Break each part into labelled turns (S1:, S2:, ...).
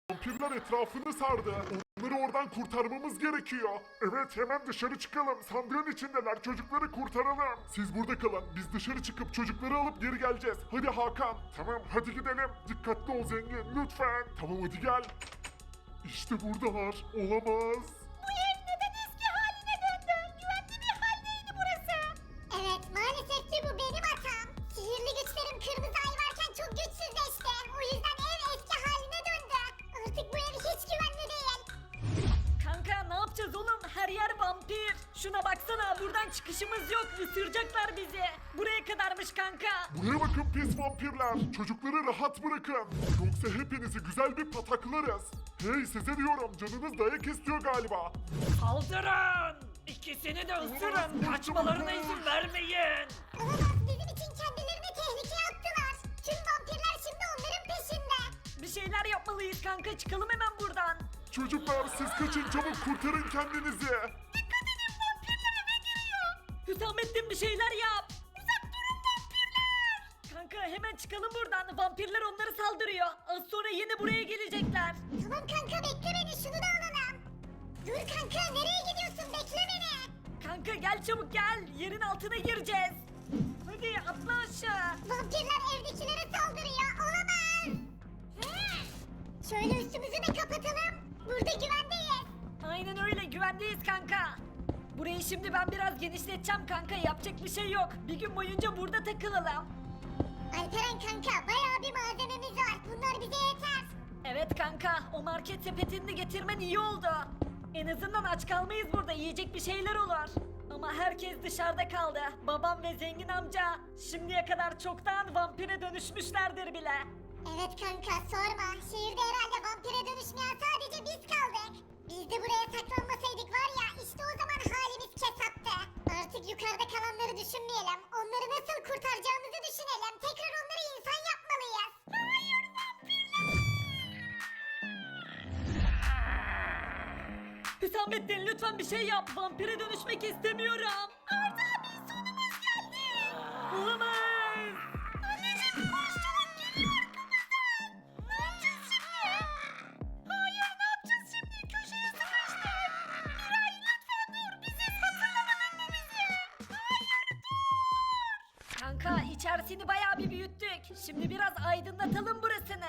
S1: Vampirler etrafını sardı. Onları oradan kurtarmamız gerekiyor. Evet, hemen dışarı çıkalım. Sandığın içindeler. Çocukları kurtaralım. Siz burada kalın. Biz dışarı çıkıp çocukları alıp geri geleceğiz. Hadi Hakan. Tamam, hadi gidelim. Dikkatli ol zengin, lütfen. Tamam, hadi gel. İşte buradalar. Olamaz.
S2: Bu ev neden eski haline döndü? Güvenli bir haldeydi burası. Evet, maalesef ki bu benim hatam. Sihirli güçlerim kırmızı ay varken çok güçsüzleşti. O yüzden ev eski haline döndü. Artık bu ev hiç güvenli değil.
S3: Kanka ne yapacağız oğlum? Her yer vampir. Şuna baksana, buradan çıkışımız yok. Isıracaklar bizi. Buraya kadarmış kanka.
S1: Buraya bakın pis vampirler. Çocukları rahat bırakın. Yoksa hepinizi güzel bir pataklarız. Hey, size diyorum, canınız dayak istiyor galiba.
S3: Saldırın! İkisini de ısırın. Kaçmalarına izin vermeyin.
S2: Olamaz, bizim için kendilerini tehlikeye attılar. Tüm vampirler şimdi onların peşinde.
S3: Bir şeyler yapmalıyız kanka. Çıkalım hemen buradan.
S1: Çocuklar, siz kaçın, çabuk kurtarın kendinizi.
S3: Hüsamettin bir şeyler yap. Uzak durun vampirler. Kanka hemen çıkalım buradan. Vampirler onları saldırıyor. Az sonra yine buraya gelecekler.
S2: Tamam kanka, bekle beni, şunu da alalım. Dur kanka, nereye gidiyorsun, bekle beni.
S3: Kanka gel çabuk gel. Yerin altına gireceğiz. Hadi atla aşağı.
S2: Vampirler evdekilere saldırıyor, olamaz. Şöyle üstümüzü de kapatalım. Burada güvendeyiz.
S3: Aynen öyle, güvendeyiz kanka. Burayı şimdi ben biraz genişleteceğim kanka. Yapacak bir şey yok. Bir gün boyunca burada takılalım.
S2: Alperen kanka, bayağı bir malzememiz var. Bunlar bize yeter.
S3: Evet kanka, o market sepetini getirmen iyi oldu. En azından aç kalmayız burada, yiyecek bir şeyler olur. Ama herkes dışarıda kaldı. Babam ve zengin amca şimdiye kadar çoktan vampire dönüşmüşlerdir bile.
S2: Evet kanka, sorma. Şehirde herhalde vampire dönüşmeyen sadece biz kaldık. Biz de buraya saklanmasaydık var ya, işte o zaman halimiz kesattı. Artık yukarıda kalanları düşünmeyelim. Onları nasıl kurtaracağımızı düşünelim. Tekrar onları insan yapmalıyız. Hayır,
S3: Hüsamettin lütfen bir şey yap. Vampire dönüşmek istemiyorum. Arda abi, sonumuz geldi. Olamaz.
S2: Anneciğim, koş çabuk, geliyor arkamızdan. Ne yapacağız şimdi? Hayır, ne yapacağız şimdi? Köşeye sıkıştık. Miray, lütfen dur. Biziz, hatırlamadın mı bizi? Hayır,
S3: Kanka içerisini bayağı bir büyüttük. Şimdi biraz aydınlatalım burasını.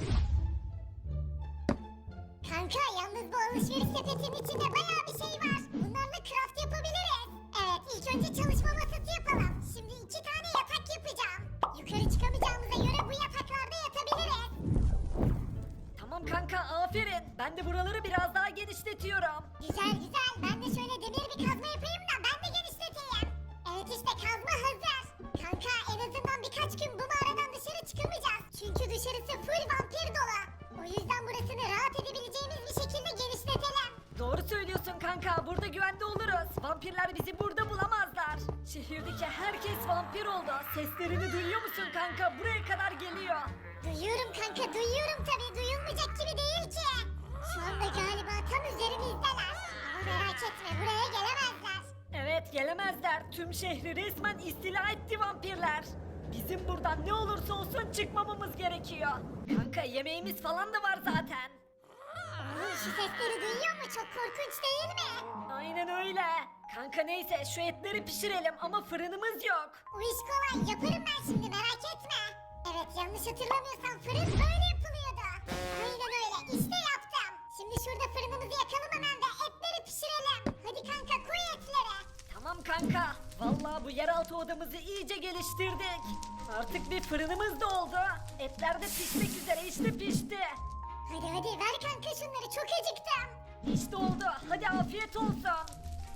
S2: kanka, yalnız bu alışveriş sepetinin içinde bayağı bir şey var. Bunlarla craft yapabiliriz. Evet, ilk önce çalışma masası yapalım. Şimdi 2 tane yatak yapacağım. Yukarı çıkamayacağımıza göre bu yataklarda yatabiliriz.
S3: Tamam kanka, aferin. Ben de buraları biraz daha genişletiyorum.
S2: Güzel güzel. Ben de şöyle demir bir kazma yapayım da ben de genişleteyim. Evet, işte kazma hazır. Kanka, en azından birkaç gün bu mağaradan dışarı çıkamayacağız. Çünkü dışarısı full vampir dolu. O yüzden burasını rahat edebileceğimiz bir şekilde genişletelim.
S3: Doğru söylüyorsun kanka, burada güvende oluruz. Vampirler bizi burada bulamazlar. Şehirdeki herkes vampir oldu. Seslerini duyuyor musun kanka? Buraya kadar geliyor.
S2: Duyuyorum kanka, duyuyorum tabii. Duyulmayacak gibi değil ki. Şu anda galiba tam üzerimizdeler. Ama merak etme, buraya gelemezler.
S3: Evet, gelemezler. Tüm şehri resmen istila etti vampirler. Bizim buradan ne olursa olsun çıkmamamız gerekiyor. Kanka yemeğimiz falan da var zaten.
S2: Oğlum, şu sesleri duyuyor mu? Çok korkunç değil mi?
S3: Aynen öyle. Kanka neyse şu etleri pişirelim ama fırınımız yok.
S2: O iş kolay, yaparım ben şimdi, merak etme. Evet, yanlış hatırlamıyorsam fırın böyle yapılıyordu. Aynen öyle, işte yaptım. Şimdi şurada fırınımızı yakalım hemen ve etleri pişirelim. Hadi kanka, koy etleri.
S3: Tamam kanka. Vallahi bu yeraltı odamızı iyice geliştirdik. Artık bir fırınımız da oldu. Etler de pişmek üzere, işte pişti.
S2: Hadi hadi, ver kanka şunları, çok acıktım.
S3: İşte oldu. Hadi afiyet olsun.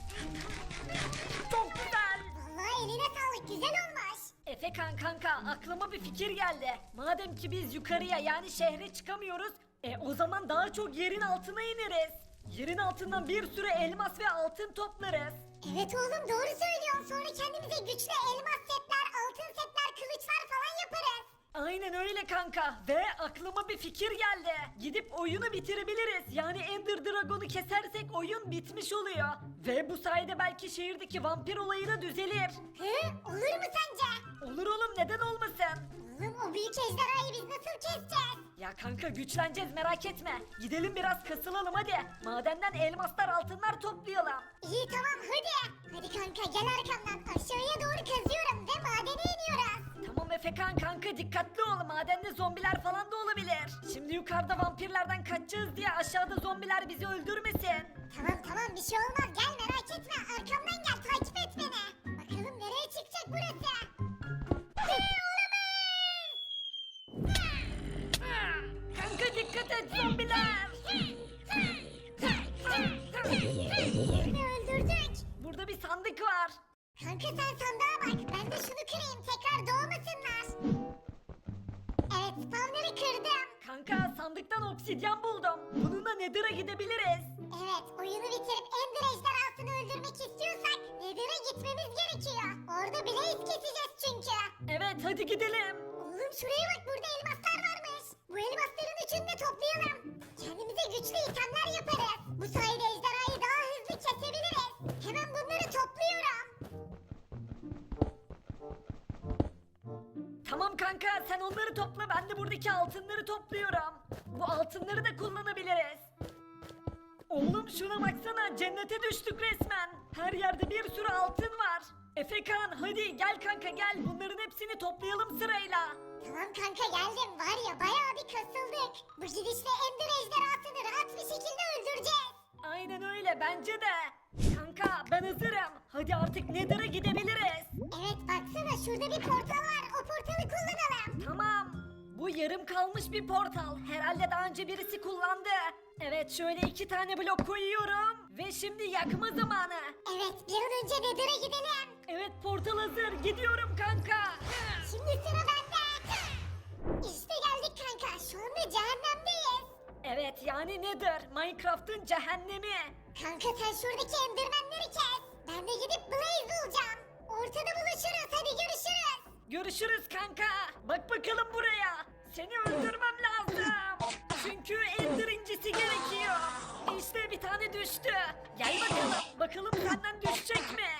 S3: Çok güzel.
S2: Vallahi eline sağlık, güzel olmuş.
S3: Efekan kanka, aklıma bir fikir geldi. Madem ki biz yukarıya yani şehre çıkamıyoruz, o zaman daha çok yerin altına ineriz. Yerin altından bir sürü elmas ve altın toplarız.
S2: Evet oğlum, doğru söylüyorsun. Sonra kendimize güçlü elmas setler, altın setler, kılıçlar falan yaparız.
S3: Aynen öyle kanka. Ve aklıma bir fikir geldi. Gidip oyunu bitirebiliriz. Yani Ender Dragon'u kesersek oyun bitmiş oluyor. Ve bu sayede belki şehirdeki vampir olayı da düzelir.
S2: Hı? Olur mu sence?
S3: Olur oğlum, neden olmasın?
S2: Oğlum o büyük ejderhayı biz nasıl keseceğiz?
S3: Ya kanka güçleneceğiz merak etme. Gidelim biraz kasılalım hadi. Madenden elmaslar altınlar toplayalım.
S2: İyi tamam hadi. Hadi kanka gel arkamdan aşağıya doğru kazıyorum ve madene iniyoruz.
S3: Tamam Efekan kanka dikkatli ol. Madende zombiler falan da olabilir. Şimdi yukarıda vampirlerden kaçacağız diye aşağıda zombiler bizi öldürmesin.
S2: Tamam bir şey olmaz gel merak etme arkamdan gel takip et beni. Bakalım nereye çıkacak burası?
S3: Kanka dikkat et zombiler.
S2: Birini öldürdük.
S3: Burada bir sandık var.
S2: Kanka sen sandığa bak ben de şunu kırayım tekrar doğmasınlar. Evet spawner'ı kırdım.
S3: Kanka sandıktan obsidyen buldum. Bununla Nether'a gidebiliriz.
S2: Evet oyunu bitirip Ender ejderhasını öldürmek istiyorsak Nether'a gitmemiz gerekiyor. Orada Blaze keseceğiz çünkü.
S3: Evet hadi gidelim.
S2: Oğlum şuraya bak burada elmaslar varmış. Bu elmasların üçünü de toplayalım. Kendimize güçlü itemler yaparız. Bu sayede ejderhayı daha hızlı kesebiliriz. Hemen bunları topluyorum.
S3: Tamam kanka sen onları topla ben de buradaki altınları topluyorum. Bu altınları da kullanabiliriz. Oğlum şuna baksana cennete düştük resmen. Her yerde bir sürü altın var. Efekan hadi gel kanka gel bunların hepsini toplayalım sırayla.
S2: Tamam kanka geldim. Var ya bayağı bir kasıldık. Bu gidişle Ender ejderhasını rahat bir şekilde öldüreceğiz.
S3: Aynen öyle bence de. Kanka ben hazırım. Hadi artık Nether'a gidebiliriz.
S2: Evet baksana şurada bir portal var. O portalı kullanalım.
S3: Tamam. Bu yarım kalmış bir portal. Herhalde daha önce birisi kullandı. Evet şöyle 2 tane blok koyuyorum. Ve şimdi yakma zamanı.
S2: Evet bir an önce Nether'a gidelim.
S3: Evet portal hazır. Gidiyorum kanka.
S2: Şimdi sıra bende. İşte geldik kanka. Şu anda cehennemdeyiz.
S3: Evet yani Nether. Minecraft'ın cehennemi.
S2: Kanka sen şuradaki endermenleri kes. Ben de gidip Blaze bulacağım. Ortada buluşuruz. Hadi görüşürüz.
S3: Görüşürüz kanka. Bak bakalım buraya. Seni öldürmem lazım. Çünkü Ender incisi gerekiyor. İşte bir tane düştü. Gel bakalım. Bakalım senden düşecek mi?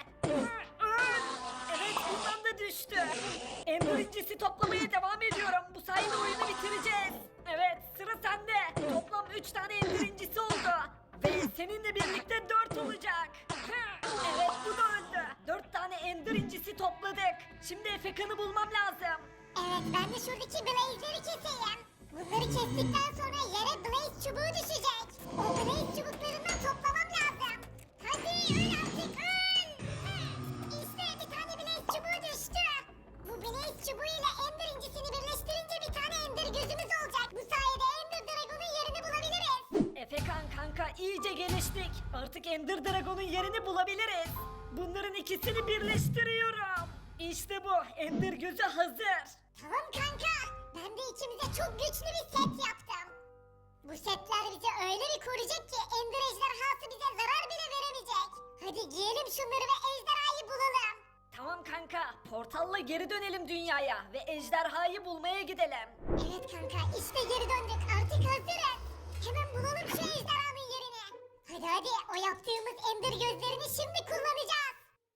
S3: Evet bundan da düştü. Ender incisi toplamaya devam ediyorum. Bu sayede oyunu bitireceğiz. Evet sıra sende. Toplam 3 tane Ender incisi oldu. Ve seninle birlikte 4 olacak. Evet bu da öldü. 4 tane Ender incisi topladık. Şimdi Efekan'ı bulmam lazım.
S2: Evet ben de şuradaki Blaze'leri keseyim. Bunları kestikten sonra yere Blaze çubuğu düşecek. O Blaze çubuklarından toplamam lazım. Hadi öl artık öl. İşte bir tane Blaze çubuğu düştü. Bu Blaze çubuğu ile Ender incisini birleştirince bir tane Ender gözümüz olacak. Bu sayede Ender Dragon'un yerini bulabiliriz.
S3: Efekan kanka iyice geliştik. Artık Ender Dragon'un yerini bulabiliriz. Bunların ikisini birleştiriyorum. İşte bu Ender gözü hazır.
S2: Tamam kanka. Ben de içimize çok güçlü bir set yaptım. Bu setler bizi öyle bir koruyacak ki Ender ejderhası bize zarar bile veremeyecek. Hadi giyelim şunları ve ejderhayı bulalım.
S3: Tamam kanka portalla geri dönelim dünyaya ve ejderhayı bulmaya gidelim.
S2: Evet kanka işte geri döndük artık hazırız. Hemen bulalım şu ejderhanın yerini. Hadi o yaptığımız Ender gözlerini şimdi kullanacağız.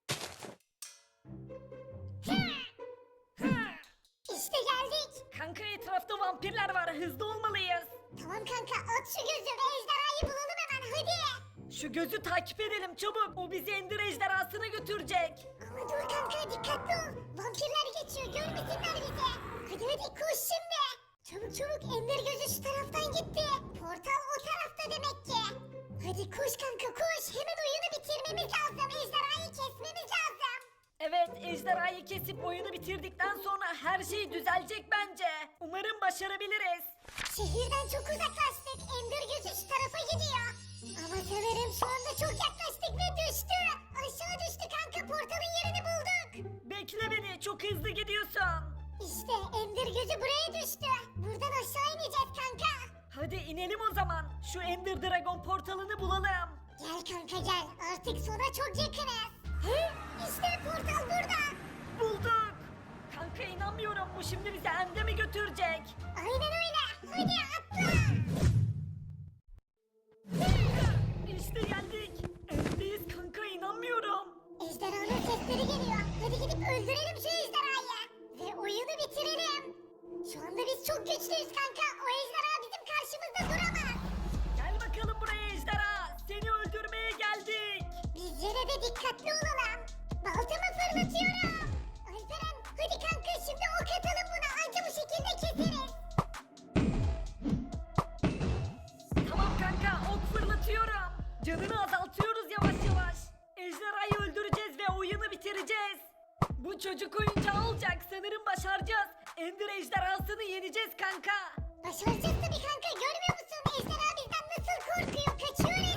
S2: İşte geldik.
S3: Kanka etrafta vampirler var hızlı olmalıyız.
S2: Tamam kanka at şu gözü ve ejderhayı bulalım hemen hadi.
S3: Şu gözü takip edelim çabuk. O bizi Ender ejderhasına götürecek.
S2: Ama dur kanka dikkatli ol. Vampirler geçiyor görmesinler bizi. Hadi koş şimdi. Çabuk Ender gözü şu taraftan gitti. Portal o tarafta demek ki. Hadi koş kanka koş. Hemen oyunu bitirmemiz lazım. Ejderhayı kesmemiz lazım.
S3: Evet ejderhayı kesip oyunu bitirdikten sonra her şey düzelecek bence. Umarım başarabiliriz.
S2: Şehirden çok uzaklaştık. Ender gözü şu tarafa gidiyor. Ama sanırım şu anda çok yaklaştık ve düştü. Aşağı düştü kanka portalın yerini bulduk.
S3: Bekle beni çok hızlı gidiyorsun.
S2: İşte Ender gözü buraya düştü. Buradan aşağı ineceğiz kanka.
S3: Hadi inelim o zaman. Şu Ender Dragon portalını bulalım.
S2: Gel kanka gel. Artık sona çok yakınız. İşte portal burada.
S3: Bulduk. Kanka inanmıyorum bu şimdi bizi End'e mi götürecek?
S2: Aynen öyle. Hadi atla.
S3: İşte geldik. End'deyiz kanka inanmıyorum.
S2: Ejderhanın sesleri geliyor. Hadi gidip öldürelim şu ejderhayı. Ve oyunu bitirelim. Biz çok güçlüyüz kanka. O ejderha bizim karşımızda duramaz.
S3: Gel bakalım buraya ejderha. Seni öldürmeye geldik.
S2: Biz yine de dikkatli olalım. Baltamı fırlatıyorum. Alperen hadi kanka şimdi ok atalım buna. Anca bu şekilde keseriz.
S3: Tamam kanka ok fırlatıyorum. Canını azaltıyoruz yavaş yavaş. Ejderhayı öldüreceğiz ve oyunu bitireceğiz. Bu çocuk oyuncağı olacak. Sanırım başaracağız. Ender ejderhasını yeneceğiz kanka.
S2: Başaracağız tabii kanka görmüyor musun? Ejderha bizden nasıl korkuyor? Kaçıyor